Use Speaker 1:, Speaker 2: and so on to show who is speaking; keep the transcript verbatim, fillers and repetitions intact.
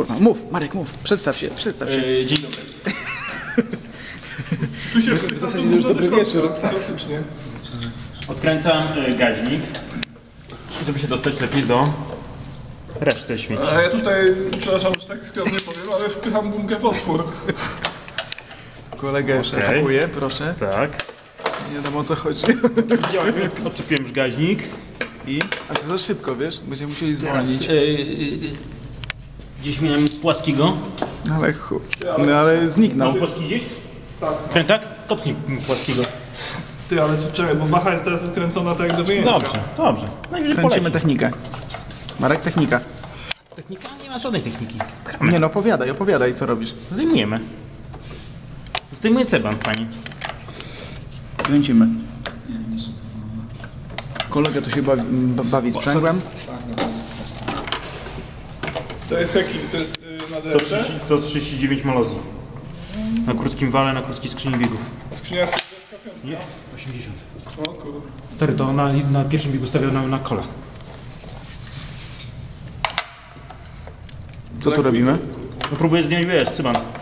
Speaker 1: Kurwa, mów, Marek, mów, przedstaw się, przedstaw się.
Speaker 2: Yy, dzień dobry.
Speaker 3: Tu się
Speaker 1: W zasadzie już dobry wieczór.
Speaker 3: Klasycznie.
Speaker 2: Odkręcam y, gaźnik, żeby się dostać lepiej do reszty śmieci.
Speaker 3: A ja tutaj, przepraszam, że tak skromnie powiem, ale wpycham gumkę w otwór.
Speaker 1: Kolega już
Speaker 2: Okej.
Speaker 1: atakuje, proszę.
Speaker 2: Tak.
Speaker 1: Nie wiadomo o co chodzi.
Speaker 2: Ja odczepiłem już gaźnik.
Speaker 1: I? A to za szybko, wiesz? Będziemy musieli zwolnić.
Speaker 2: Yy, yy, gdzieś miałem płaskiego.
Speaker 1: Ale chu... No ale zniknął.
Speaker 2: Masz płaski gdzieś?
Speaker 3: Tak.
Speaker 2: Tak, tak? Kopnij płaskiego.
Speaker 3: Ty, ale czekaj, bo waha jest teraz odkręcona tak jak do wyjęcia.
Speaker 2: Dobrze, dobrze. Najwyżej
Speaker 1: Kręcimy
Speaker 2: poleci.
Speaker 1: technikę. Marek, technika.
Speaker 2: Technika? Nie ma żadnej techniki.
Speaker 1: Nie no, opowiadaj, opowiadaj, co robisz.
Speaker 2: Zdejmujemy. Zdejmuję ceban, panie.
Speaker 1: Kręcimy. Kolega tu się bawi, bawi sprzęgłem.
Speaker 3: To jest jaki? To jest yy, na D L C?
Speaker 2: sto trzydzieści dziewięć malozji. Na krótkim wale, na krótkiej skrzyni biegów.
Speaker 3: Skrzynia jest dwudziestka piąta.
Speaker 2: Nie, osiemdziesiąt.
Speaker 3: O kurde.
Speaker 2: Stary, to na, na pierwszym biegu stawiał na, na kola.
Speaker 1: Co tu robimy?
Speaker 2: No próbuję zdjąć, wiesz, cyban.